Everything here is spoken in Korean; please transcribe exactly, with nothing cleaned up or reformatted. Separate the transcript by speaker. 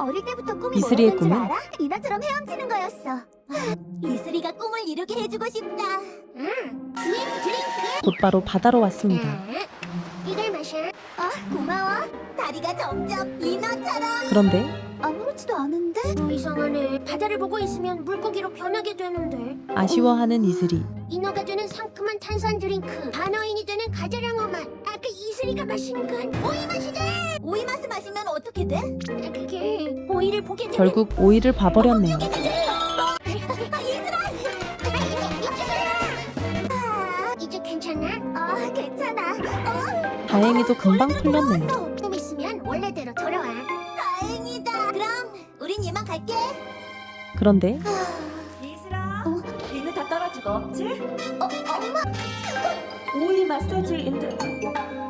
Speaker 1: 어릴 때부터 꿈이
Speaker 2: 이슬이의
Speaker 1: 뭐였는지
Speaker 2: 꿈은?
Speaker 1: 알아? 이나처럼 헤엄치는 거였어. 이슬이가 꿈을 이루게 해주고 싶다. 응. 드링크.
Speaker 2: 곧바로 바다로 왔습니다.
Speaker 1: 이걸 마셔. 아, 고마워. 다리가 점점 이나처럼.
Speaker 2: 그런데
Speaker 1: 아무렇지도 않은데?
Speaker 3: 어, 이상하네. 바다를 보고 있으면 물고기로 변하게 되는데.
Speaker 2: 아쉬워하는 이슬이.
Speaker 3: 인어가 되는 상큼한 탄산 드링크. 반어인이 되는 가자랑어 맛. 아까 이슬이가 마신 건 오이 맛이잖아.
Speaker 1: 오이 맛을 마시면 어떻게 돼?
Speaker 3: 아, 그게 오이를 보게 되면
Speaker 2: 결국 오이를 봐버렸네요.
Speaker 3: 아, 이제 괜찮아?
Speaker 1: 아, 괜찮아. 어,
Speaker 2: 다행히도 금방 풀렸네요.
Speaker 3: 좀 있으면 원래대로 돌아와.
Speaker 1: 다행이다. 그럼 우린 이만 갈게.
Speaker 2: 그런데
Speaker 4: 이슬아, 이는 다 떨어지고 없지?
Speaker 1: 어, 엄마.
Speaker 4: 오이 마사지인데